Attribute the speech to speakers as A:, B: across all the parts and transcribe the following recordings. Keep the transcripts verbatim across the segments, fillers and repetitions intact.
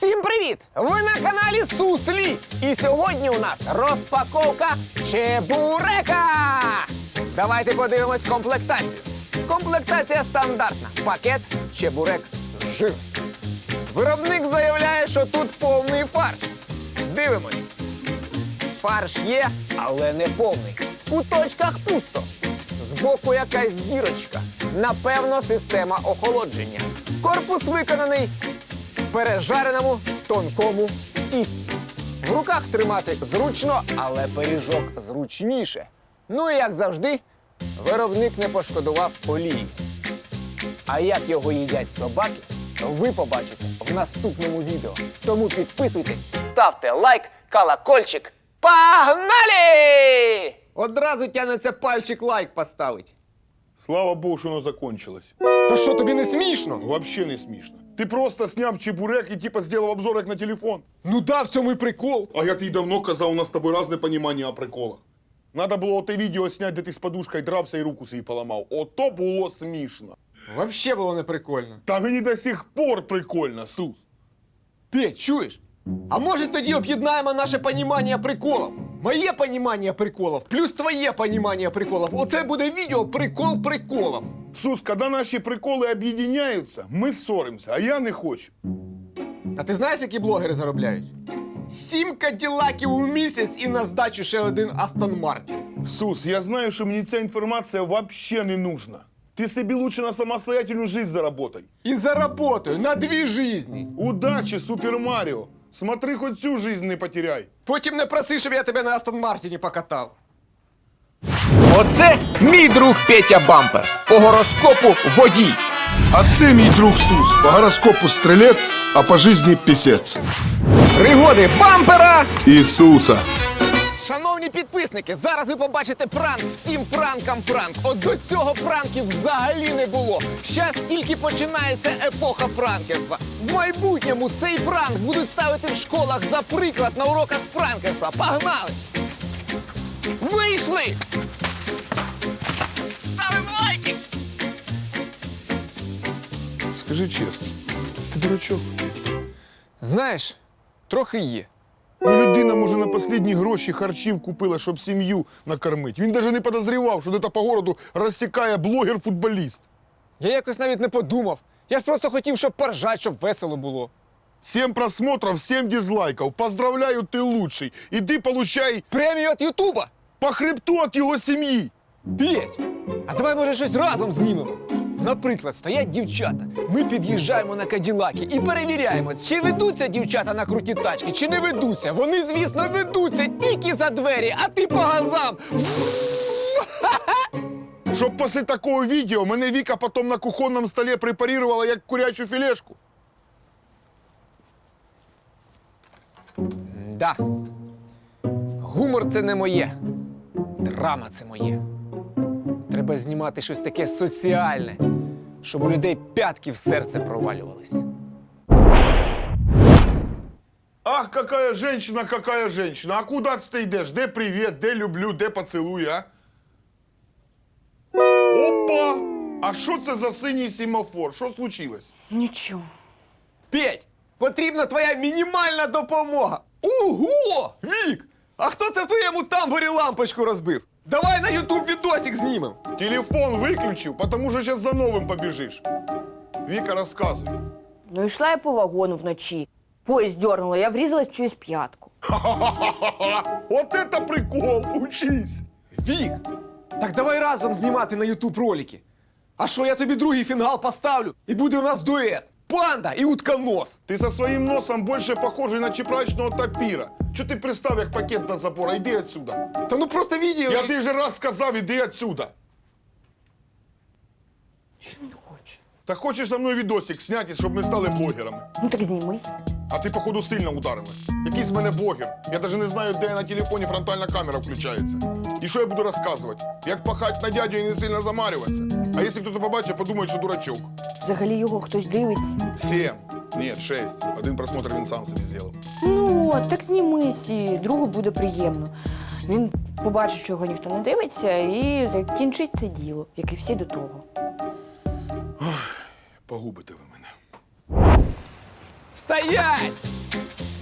A: Всім привіт! Ви на каналі Суслі! І сьогодні у нас розпаковка чебурека! Давайте подивимось комплектацію. Комплектація стандартна. Пакет, чебурек, жир. Виробник заявляє, що тут повний фарш. Дивимось. Фарш є, але не повний. В куточках пусто. Збоку якась дірочка. Напевно, система охолодження. Корпус виконаний в пережареному тонкому тісті. В руках тримати зручно, але пиріжок зручніше. Ну і як завжди, виробник не пошкодував олії. А як його їдять собаки, ви побачите в наступному відео. Тому підписуйтесь, ставте лайк, колокольчик. Погнали! Одразу тянеться пальчик лайк поставить.
B: Слава Богу, що воно закончилось.
A: Та що, тобі не смішно?
B: Вообще не смішно. Ти просто сняв чебурек і типа зробив обзор як на телефон.
A: Ну да, в цьому і прикол.
B: А я тобі давно казав, у нас з тобою різне розуміння о приколах. Надо було те відео зняти, де ти з подушкою дрався і руку собі поламав. Ото було смішно.
A: Вообще було не прикольно.
B: Та мені до сих пор прикольно, Сус.
A: Петь, чуєш? А може тоді об'єднаємо наше понімання приколів? Моє понімання приколів плюс твоє понімання приколів. Оце буде відео прикол приколів.
B: Сус, коли наші приколи об'єднуються, ми ссоримося, а я не хочу.
A: А ти знаєш, які блогери заробляють? Сім каділаків у місяць і на здачу ще один Астон Мартін.
B: Сус, я знаю, що мені ця інформація вообще не нужна. Ти собі лучше на самостоятельну жизнь заработай.
A: І заработаю на дві жизні.
B: Удачі, Супер Маріо. Смотри, хоч цю жизнь не потеряй.
A: Потім не проси, щоб я тебе на Астон Мартіні покатав. Оце мій друг Петя Бампер. По гороскопу водій.
B: А це мій друг Сус. По гороскопу стрілець, а по житті пісець.
A: Пригоди Бампера!
B: Ісуса.
A: Шановні підписники, зараз ви побачите пранк, всім пранкам пранк. От до цього пранків взагалі не було. Щас тільки починається епоха пранкерства. В майбутньому цей пранк будуть ставити в школах за приклад на уроках пранкерства. Погнали! Вийшли! Ставимо лайки!
B: Скажи чесно, ти дурачок?
A: Знаєш, трохи є.
B: Ну, людина, може, на останні гроші харчів купила, щоб сім'ю накормити. Він навіть не підозрював, що десь по городу розсікає блогер-футболіст.
A: Я якось навіть не подумав. Я ж просто хотів, щоб поржать, щоб весело було.
B: Сім просмотрів, сім дизлайків. Поздравляю, ти лучший. Іди получай
A: Премію від Ютуба!
B: по хребту від його сім'ї.
A: Петь, а давай, може, щось разом знімемо? Наприклад, стоять дівчата, ми під'їжджаємо на каділаки і перевіряємо, чи ведуться дівчата на круті тачки, чи не ведуться. Вони, звісно, ведуться тільки за двері, а ти по газам.
B: Щоб після такого відео мене Віка потім на кухонному столі препарувала як курячу філешку.
A: Да. Гумор – це не моє. Драма – це моє. Треба знімати щось таке соціальне, щоб у людей п'ятки в серце провалювались.
B: Ах, какая женщина, какая женщина. А куда ты йдеш? Де привіт, де люблю, де поцілуй, а? Опа! А що це за синій семафор? Що случилось?
C: Нічого.
A: Петь, потрібна твоя мінімальна допомога. Ого! Вік! А хто це в твоєму тамбурі лампочку розбив? Давай на ютуб відосик знімем.
B: Телефон виключив, потому що зараз за новим побіжиш. Віка, розказуй.
C: Ну, йшла я по вагону вночі. Поїзд дернуло, я врізалась в чиюсь п'ятку.
B: От это прикол, учись.
A: Вік, так давай разом знімати на ютуб ролики. А що, я тобі другий фінгал поставлю, і буде у нас дует. Панда і утконос.
B: Ти со своїм носом більше похожий на чепрачного тапіра. Чого ти пристав як пакет до забора? Йди отсюда.
A: Та ну просто відео.
B: Я ти же раз сказав, іди отсюда.
C: Що він хоче?
B: Та хочеш за мною відосик зняти, щоб ми стали блогерами.
C: Ну так знімись.
B: А ти, походу, сильно ударилась. Який з мене блогер. Я навіть не знаю, де на телефоні фронтальна камера включається. І що я буду розказувати? Як пахать на дядю і не сильно замарюватися. А якщо хтось побачить, подумає, що дурачок.
C: Взагалі його хтось дивиться.
B: Сім. Ні, шесть. Один просмотр він сам собі зробив.
C: Ну, от, так знімись, і другу буде приємно. Він побачить, що його ніхто не дивиться, і закінчить це діло, як і всі до того.
B: Погубите ви мене.
A: Стоять!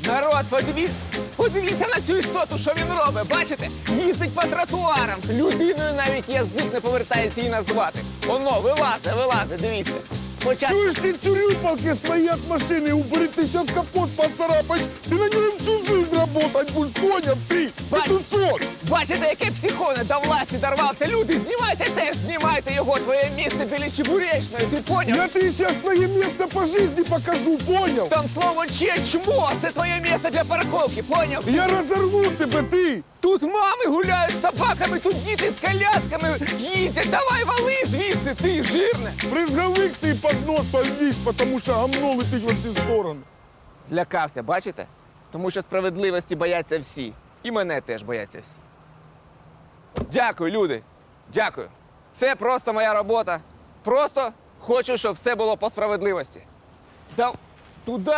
A: Народ, подивіться, подивіться на цю істоту, що він робить. Бачите? Їздить по тротуарам. Людиною навіть язик не повертається її назвати. Воно, вилазить, вилазить, дивіться. Спочатку...
B: Чуєш, ти цюрюпалки свої від машини убери, ти зараз капот поцарапаєш, ти на ньому всю жизнь работать будеш, поняв ти?
A: Бач-
B: Петушок!
A: Бачите, яке психоне до власті дорвався. Люди, знімайте теж, знімайте його, твоє місце біля Чебуречної, ти поняв?
B: Я тобі зараз твоє місце по житті покажу, поняв?
A: Там слово чечмо, це твоє місце для парковки, поняв?
B: Я розорву тебе, ти!
A: Тут мами гуляють з собаками, тут діти з колясками їздять. Давай вали звідси, ти жирне.
B: Бризговик свій під нос повісь, тому що гамно летить во всі сторони.
A: Злякався, бачите? Тому що справедливості бояться всі. І мене теж бояться всі. Дякую, люди. Дякую. Це просто моя робота. Просто хочу, щоб все було по справедливості. Да туди!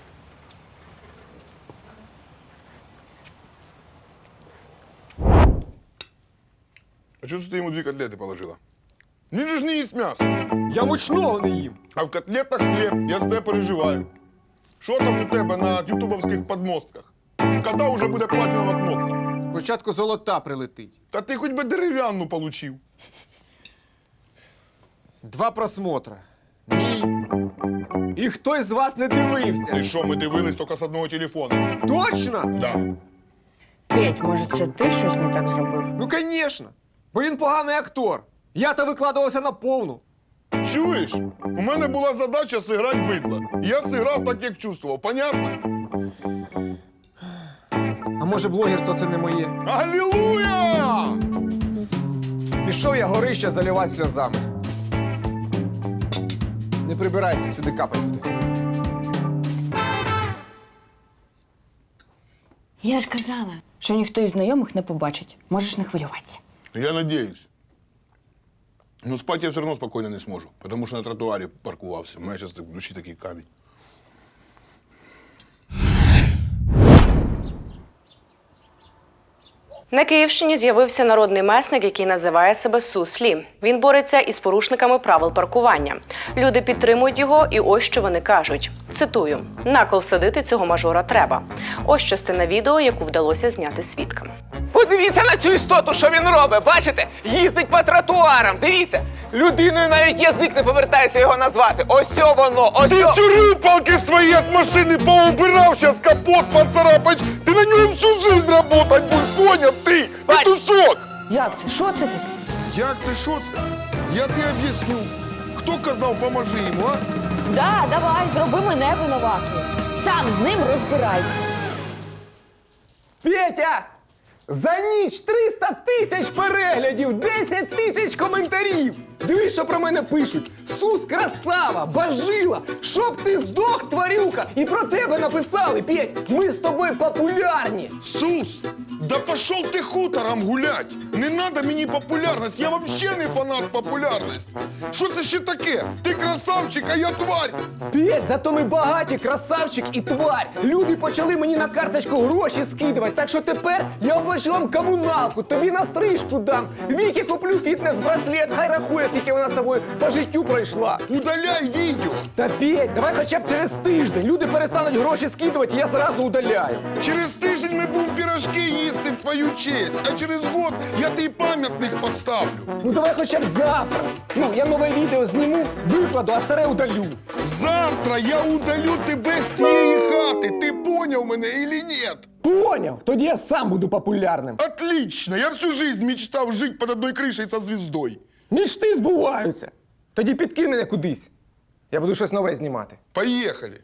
B: А чого ти йому дві котлети положила? Він же ж не їсть м'ясо.
A: Я мучного не їм.
B: А в котлетах хліб, я з тебе переживаю. Що там у тебе на ютубовських подмостках? Коли вже буде платінова кнопка?
A: Спочатку золота прилетить.
B: Та ти хоч би дерев'яну получив.
D: Два просмотра. Мій. І хтось з вас не дивився.
B: Ти що, ми дивились тільки з одного телефону?
D: Точно?
B: Да.
C: Петь, може, це ти щось не так зробив?
D: Ну, звісно. Бо він поганий актор. Я-то викладувався на повну.
B: Чуєш? У мене була задача зіграти бидло. Я зіграв так, як чувствував. Понятно?
D: А може, блогерство це не моє?
B: Алілуя!
D: Пішов я горище заливати сльозами. Не прибирайте, сюди капать буде.
C: Я ж казала, що ніхто із знайомих не побачить. Можеш не хвилюватися.
B: Я надеюсь. Но спать я все равно спокойно не сможу, потому что на тротуаре паркувався. У мене зараз в душі такий камінь.
E: На Київщині з'явився народний месник, який називає себе Суслі. Він бореться із порушниками правил паркування. Люди підтримують його, і ось що вони кажуть. Цитую: «Накол садити цього мажора треба». Ось частина відео, яку вдалося зняти свідкам.
A: Подивіться на цю істоту, що він робить. Бачите? Їздить по тротуарам. Дивіться. Людиною навіть язик не повертається його назвати. Ось воно, ось.
B: Ти цюрюпалки свої від машини поубирав, зараз капот поцарапаєш, ти на ньому всю жизнь работать будеш, поняв ти?
A: Бач-
B: Петушок!
C: Як це? Що це таке?
B: Як це, що це? Я тобі об'ясню. Хто казав, поможи йому, а?
C: Да, давай, зроби мене винуватою. Сам з ним розбирайся.
A: Петя! За ніч триста тисяч переглядів, десять тисяч коментарів. Дивись, що про мене пишуть. Сус красава, бажила, щоб ти здох, тварюка. І про тебе написали, Петь, ми з тобою популярні.
B: Сус, да пошел ты хутором гулять! Не надо мені популярність, я вообще не фанат популярності. Що це ще таке? Ти красавчик, а я тварь!
A: Петь, зато ми багаті, красавчик і тварь. Люди почали мені на карточку гроші скидувати, так що тепер я оплачу вам комуналку, тобі на стрижку дам. Віки куплю фітнес-браслет, хай рахує, скільки вона з тобою по життю пройшла.
B: Удаляй відео!
A: Та Петь, давай хоча б через тиждень. Люди перестануть гроші скидувати, і я зразу удаляю.
B: Через тиждень ми будемо пірожки їсти в твою честь, а через год я тобі пам'ятник поставлю.
A: Ну давай хоча б завтра. Ну, я нове відео зніму, викладу, а старе удалю.
B: Завтра я удалю тебе з цієї хати. Ти поняв мене или нет?
A: Поняв? Тоді я сам буду популярним.
B: Отлично! Я всю жизнь мечтав жити під одною кришею со звіздою.
A: Мічти збуваються. Тоді підкинь мене кудись. Я буду щось нове знімати.
B: Поїхали.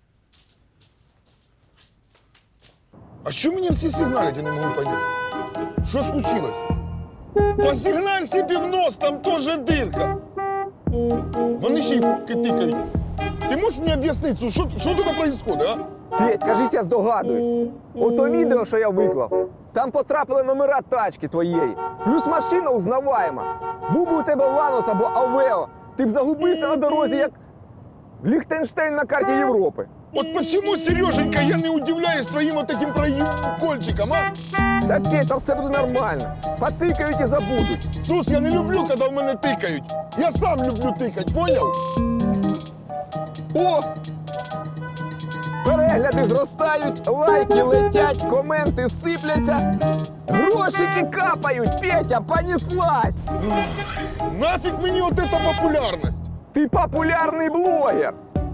B: А що мені всі сигналять, я не можу поняти? Що случилось? Посигналься в нос, там теж дирка. Вони ще й f***ки тикають. Ти можеш мені об'яснити, що, що тут происходит, а?
D: Петь, кажись, я здогадуюсь. Ото відео, що я виклав, там потрапили номера тачки твоєї. Плюс машина узнаваєма. Був би у тебе Ланос або Авео, ти б загубився на дорозі, як Ліхтенштейн на карті Європи.
B: От почему, Сереженька, я не удивляюсь твоим вот этим прокольчиком, а?
D: Та Петь, там все буде нормально. Потикають і забудуть.
B: Сус, я не люблю, коли в мене тикають. Я сам люблю тикать, понял?
D: О! Перегляд підписки зростають, лайки летять, коменти сипляться, грошики капають, Петя, понеслась!
B: Нафіг мені от эта популярність?
D: Ти популярний блогер!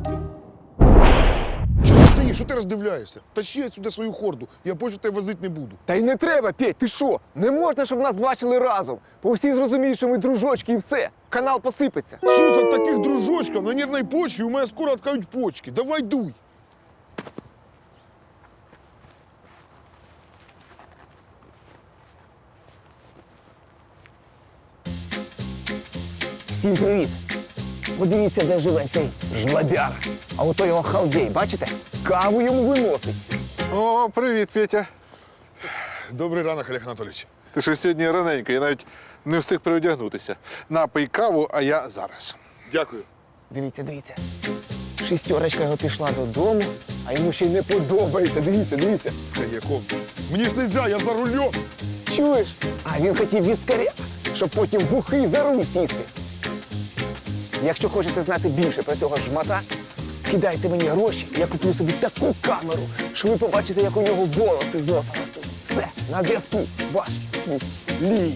B: Чого ти стоїш? Що ти роздивляєшся? Тащи сюди свою хорду, я більше тебе возити не буду.
D: Та й не треба, Петь, ти що? Не можна, щоб нас бачили разом. Бо всі зрозуміють, що ми дружочки і все. Канал посипеться.
B: Сус, от таких дружочків на нервній почві у мене скоро откають почки. Давай дуй.
D: Всім привіт! Подивіться, де живе цей жлобяр. А ото його халдей, бачите? Каву йому виносить.
F: О, привіт, Петя.
B: Добрий ранок, Олег Анатолійович.
F: Ти що сьогодні раненько, я навіть не встиг переодягнутися. Напий каву, а я зараз.
B: Дякую.
D: Дивіться, дивіться. Шістерочка його пішла додому, а йому ще й не подобається. Дивіться, дивіться.
B: З коньяком. Мені ж нельзя, я за рулем.
D: Чуєш? А він хотів віскаря, щоб потім бухий за руль сісти. Якщо хочете знати більше про цього жмата, кидайте мені гроші, я куплю собі таку камеру, що ви побачите, як у нього волоси з носа ростуть. Все, на зв'язку. Ваш Сус Лі.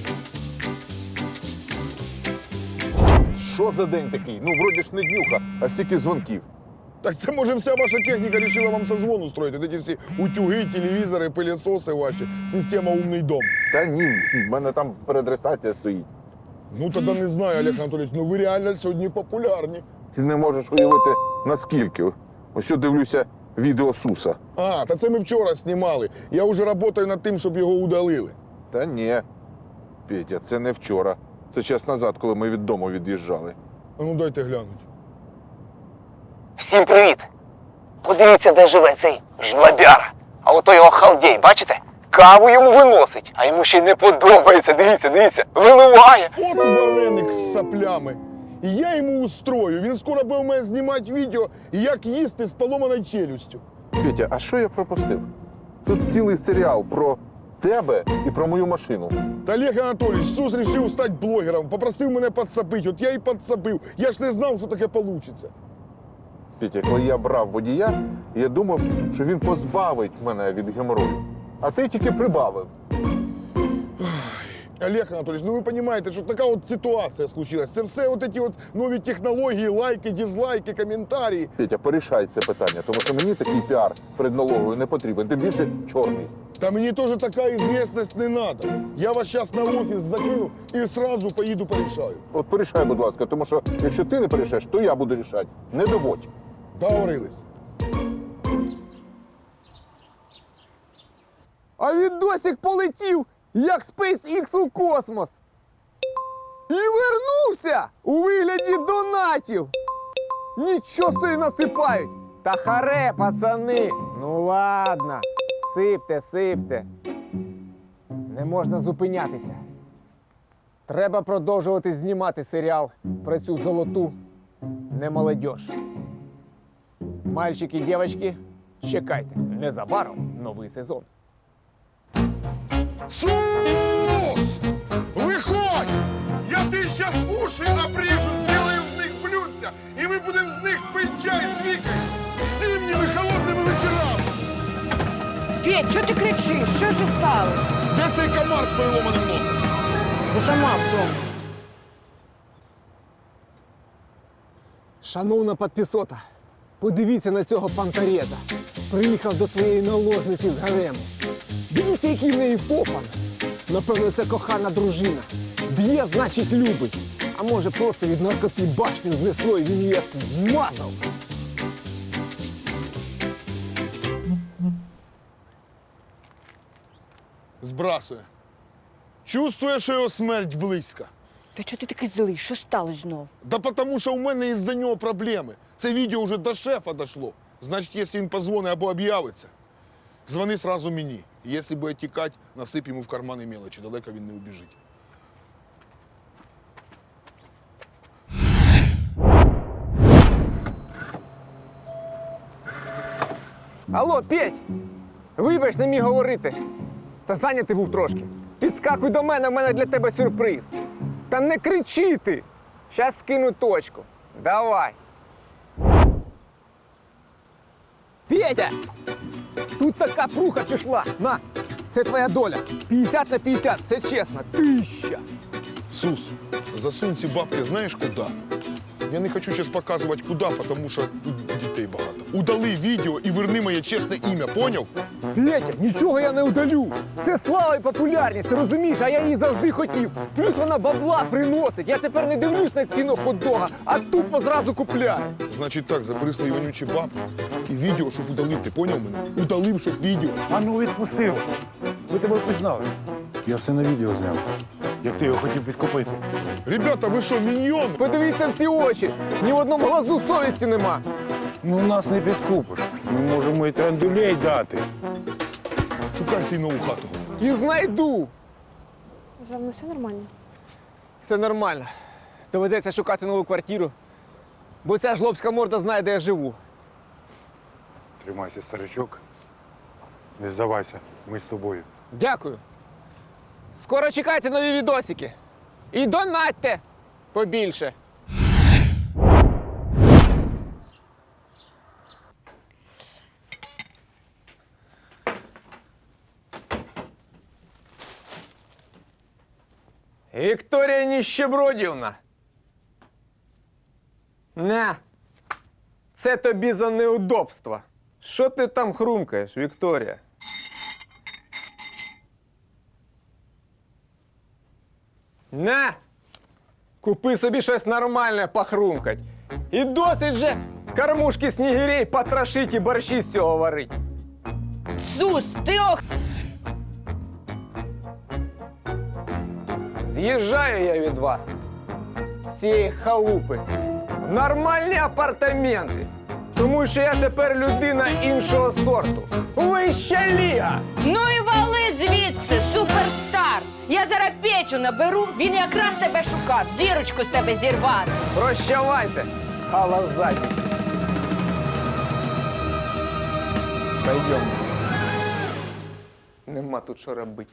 F: Що за день такий? Ну, вроді ж не днюха, а стільки дзвонків.
B: Так це, може, вся ваша техніка вирішила вам созвон устроїти. От ці всі утюги, телевізори, пилісоси ваші, система «Умний дом».
F: Та ні, в мене там переадресація стоїть.
B: Ну, тоді не знаю, Олег Анатолійович, ну ви реально сьогодні популярні.
F: Ти не можеш уявити, наскільки. Ось я дивлюся відео Суса.
B: А, та це ми вчора знімали. Я вже працюю над тим, щоб його удалили.
F: Та ні, Петя, це не вчора. Це час назад, коли ми від дому від'їжджали.
B: А ну дайте глянуть.
D: Всім привіт! Подивіться, де живе цей жлобяр. А ото його халдей, бачите? Каву йому виносить, а йому ще й не подобається. Дивіться, дивіться, виливає.
B: От вареник з саплями. І я йому устрою. Він скоро буде у мене знімати відео, як їсти з поломаною челюстю.
F: Петя, а що я пропустив? Тут цілий серіал про тебе і про мою машину.
B: Та Олег Анатолійович, Сус вирішив стати блогером, попросив мене підсапити. От я і підсапив. Я ж не знав, що таке вийде.
F: Петя, коли я брав водія, я думав, що він позбавить мене від геморою. А ти тільки прибавив.
B: Олег Анатолійович, ну ви розумієте, що така от ситуація случилась. Це все от ці от нові технології, лайки, дизлайки, коментарі.
F: Петя, порішай це питання, тому що мені такий піар перед налогою не потрібен. Тим більше чорний.
B: Та мені теж така известность не треба. Я вас зараз на офіс закину і одразу поїду порішаю.
F: От порішай, будь ласка, тому що якщо ти не порішаєш, то я буду рішати. Не доводь.
B: Договорились.
D: А відосик полетів, як SpaceX у космос. І вернувся у вигляді донатів. Нічого собі насипають. Та харе, пацани. Ну ладно, сипте, сипте. Не можна зупинятися. Треба продовжувати знімати серіал про цю золоту немолодьож. Мальчики, дівчатки, чекайте, незабаром новий сезон.
B: Сус! Виходь! Я ти зараз уші обріжу, зроблю з них блюдця, і ми будемо з них пити чай з Вікою зимніми холодними вечорами.
C: Петь, чого ти кричиш? Що ж сталося?
B: Де цей комар з переломаним носом?
C: Ти сама вдома.
D: Шановна підписота, подивіться на цього панкареза. Приїхав до своєї наложниці з гарему. Дивіться, який в неї фофан. Напевно, це кохана дружина. Б'є, значить, любить. А може, просто від наркоти башню знесло і він її як вмазав.
B: Збрасує. Чувствує, що його смерть близька.
C: Та чого ти такий злий? Що сталося знов?
B: Да потому що у мене із-за нього проблеми. Це відео вже до шефа дошло. Значить, якщо він позвонить або об'явиться, дзвони сразу мені. Якщо буде тікати, насип йому в кармани мелочі, далеко він не убіжить.
D: Алло, Петь! Вибач, не міг говорити. Та зайнятий був трошки. Підскакуй до мене, в мене для тебе сюрприз. Та не кричи ти! Щас скину точку. Давай. Петя! Тут така пруха пішла. На, це твоя доля. п'ятдесят на п'ятдесят, це чесно. Тисяча.
B: Сус, засунь ці бабки знаєш куди? Я не хочу зараз показувати куди, тому що тут дітей багато. Удали відео і верни моє чесне ім'я, поняв?
D: Петя, нічого я не удалю. Це слава і популярність, ти розумієш? А я її завжди хотів. Плюс вона бабла приносить. Я тепер не дивлюсь на ціну хот-дога, а тупо зразу купляю.
B: Значить так, забери свої вонючі бабки і відео, щоб удалив, ти поняв мене? Удалив, щоб відео.
G: А ну відпустив. Ви тебе впізнали. Я все на відео зняв. Як ти його хотів підкупити.
B: Ребята, ви що, міньйони?
D: Подивіться в ці очі. Ні в одному глазу совісті нема.
G: Ну нас не підкупиш. Ми можемо і трандулей дати.
B: Шукай свій нову хату.
D: І знайду.
H: З вами все нормально?
D: Все нормально. Доведеться шукати нову квартиру. Бо ця жлобська морда знає, де я живу.
G: Тримайся, старичок. Не здавайся, ми з тобою.
D: Дякую. Скоро чекайте нові відосики. І донатьте побільше. Вікторія Ніщебродівна. На. Це тобі за неудобства. Що ти там хрумкаєш, Вікторія? На! Купи собі щось нормальне похрумкать. І досить же кормушки снігирей потрошить і борщі з цього варить.
C: Сус, ти ох...
D: З'їжджаю я від вас з цієї халупи в нормальні апартаменти. Тому що я тепер людина іншого сорту. Вища ліга!
C: Ну і вали звідси, суперстар! Я зараз Петю наберу, він якраз тебе шукав, зірочку з тебе зірвати.
D: Прощавайте, халазаті. Пойдем. Нема тут що робити.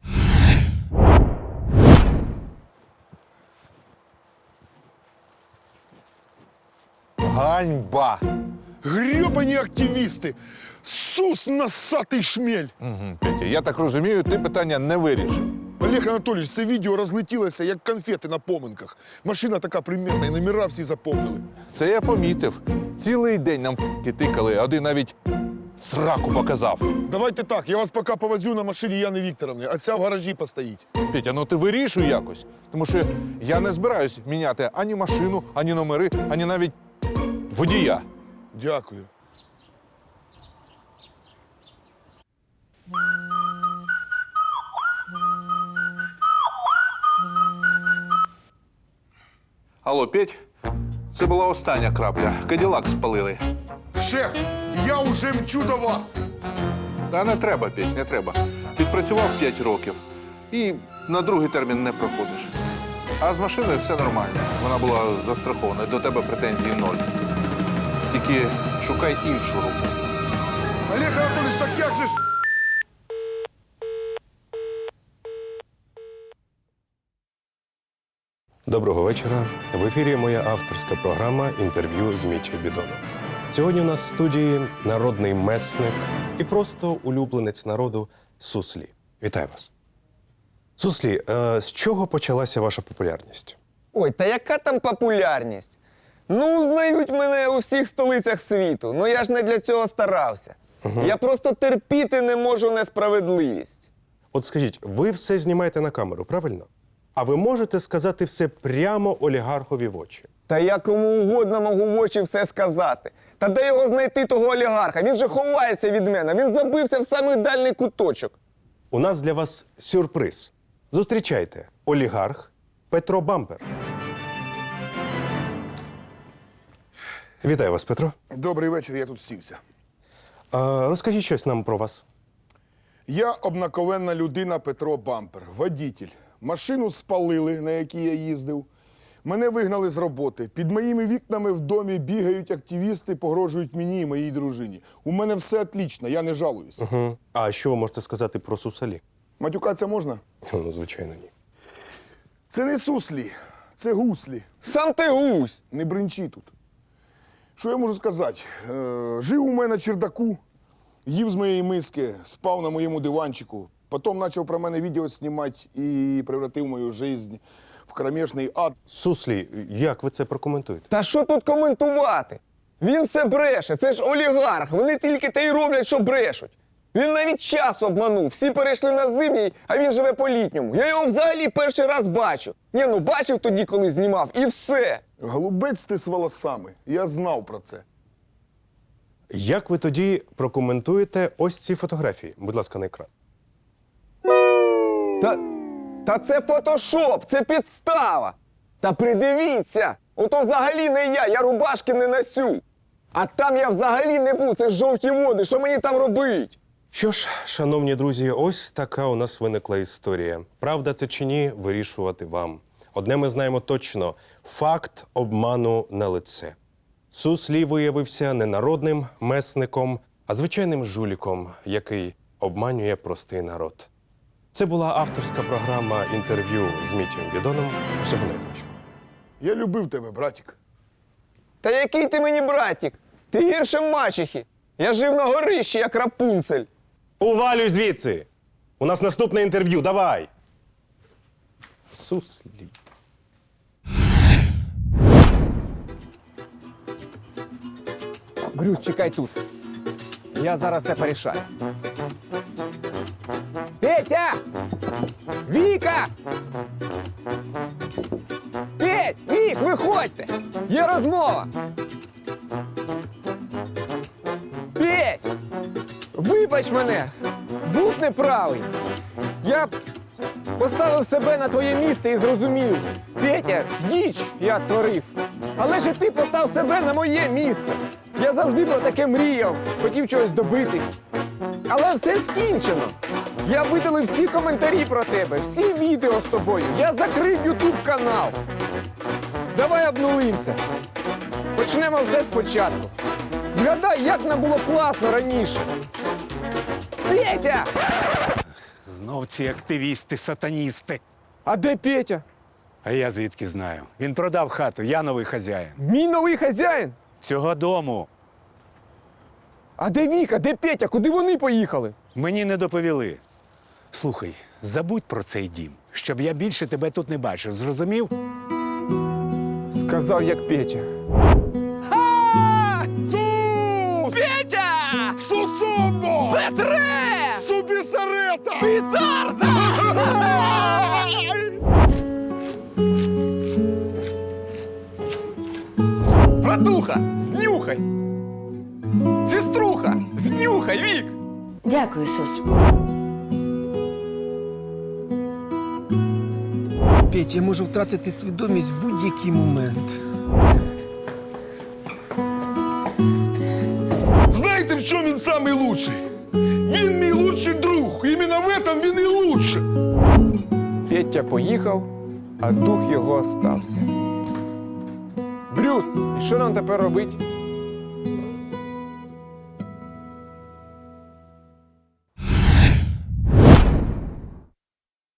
F: Ганьба!
B: Гребані активісти! Сус насатий шмель!
F: Угу, Петя, я так розумію, ти питання не вирішив.
B: Олег Анатолійович, це відео розлетілося, як конфети на поминках. Машина така примітна, і номера всі запомнили.
F: Це я помітив. Цілий день нам в***ки тикали, а один навіть сраку показав.
B: Давайте так, я вас поки повезу на машині Яни Вікторовни, а ця в гаражі постоїть.
F: Петя, ну ти вирішуй якось. Тому що я не збираюсь міняти ані машину, ані номери, ані навіть водія.
B: Дякую.
F: Алло, Петь, це була остання крапля. Каділак спалили.
B: Шеф, я вже мчу до вас.
F: Та не треба, Петь, не треба. Відпрацював п'ять років і на другий термін не проходиш. А з машиною все нормально. Вона була застрахована, до тебе претензій ноль. Тільки шукай іншу руку.
B: Олег Анатолійович, так як же ж?
I: Доброго вечора. В ефірі моя авторська програма «Інтерв'ю з Мічі Бідоном». Сьогодні у нас в студії народний месник і просто улюбленець народу Суслі. Вітаю вас. Суслі, е, з чого почалася ваша популярність?
D: Ой, та яка там популярність? Ну, знають мене у всіх столицях світу. Ну я ж не для цього старався. Угу. Я просто терпіти не можу несправедливість.
I: От скажіть, ви все знімаєте на камеру, правильно? А ви можете сказати все прямо олігархові в очі?
D: Та я кому угодно можу в очі все сказати. Та де його знайти, того олігарха? Він же ховається від мене. Він забився в самий дальний куточок.
I: У нас для вас сюрприз. Зустрічайте, олігарх Петро Бампер. Вітаю вас, Петро.
B: Добрий вечір, я тут сівся.
I: А, розкажіть щось нам про вас.
B: Я обнаковенна людина Петро Бампер, водітель. Машину спалили, на якій я їздив. Мене вигнали з роботи. Під моїми вікнами в домі бігають активісти, погрожують мені і моїй дружині. У мене все отлично, я не жалуюсь.
I: Угу. А що ви можете сказати про Сусалі?
B: Матюкатися можна?
I: Ну, звичайно, ні.
B: Це не суслі, це гуслі.
D: Сам ти гусь!
B: Не бринчи тут. Що я можу сказати? Е, жив у мене на чердаку, Їв з моєї миски, спав на моєму диванчику. Потім почав про мене відео знімати і превратив мою життя в кромешний ад.
I: Суслі, як ви це прокоментуєте?
D: Та що тут коментувати? Він все бреше, це ж олігарх. Вони тільки те й роблять, що брешуть. Він навіть час обманув. Всі перейшли на зимній, а він живе по літньому. Я його взагалі перший раз бачу. Ні, ну бачив тоді, коли знімав, і все.
B: Голубець ти з волосами. Я знав про це.
I: Як ви тоді прокоментуєте ось ці фотографії? Будь ласка, на екран.
D: Та, та це фотошоп, це підстава. Та придивіться, ото взагалі не я, я рубашки не носю. А там я взагалі не був, це ж жовті води, що мені там робить?
I: Що ж, шановні друзі, ось така у нас виникла історія. Правда це чи ні, вирішувати вам. Одне ми знаємо точно – факт обману на лице. Суслі виявився не народним месником, а звичайним жуліком, який обманює простий народ. Це була авторська програма інтерв'ю з Мітєм Бідоном. Всього найкращого.
B: Я любив тебе, братик.
D: Та який ти мені братік? Ти гірше мачехи. Я жив на горищі, як Рапунцель.
I: Увалюй звідси! У нас наступне інтерв'ю, давай! Суслі.
D: Брюс, чекай тут. Я зараз все порішаю. Петя! Віка! Петь! Вік, виходьте! Є розмова! Петь! Вибач мене! Був неправий! Я поставив себе на твоє місце і зрозумів. Петя, діч я творив. Але ж і ти постав себе на моє місце. Я завжди про таке мріяв, хотів чогось добитись. Але все скінчено. Я видалив всі коментарі про тебе, всі відео з тобою. Я закрив ютуб канал. Давай обнулимося. Почнемо все спочатку. Згадай, як нам було класно раніше. Петя!
J: Знов ці активісти-сатаністи.
D: А де Петя?
J: А я звідки знаю? Він продав хату, я новий хазяїн.
D: Мій новий хазяїн?
J: Цього дому
D: А де Віка, де Петя? Куди вони поїхали?
J: мені не доповіли. Слухай, забудь про цей дім, щоб я більше тебе тут не бачив. Зрозумів?
D: Сказав, як Петя.
B: Сус!
A: Петя!
B: Сусомо!
A: Петре!
B: Субісарета!
A: Петарда! Братуха, знюхай! Сеструха, знюхай, Вік!
C: Дякую, Сус.
K: Петь, я можу втратити свідомість в будь-який момент.
B: Знаєте, в чому він самий лучший? Він мій лучший друг. Іменно в этом він і лучший.
D: Петя поїхав, а дух його остався. Брюс, і що нам тепер робити?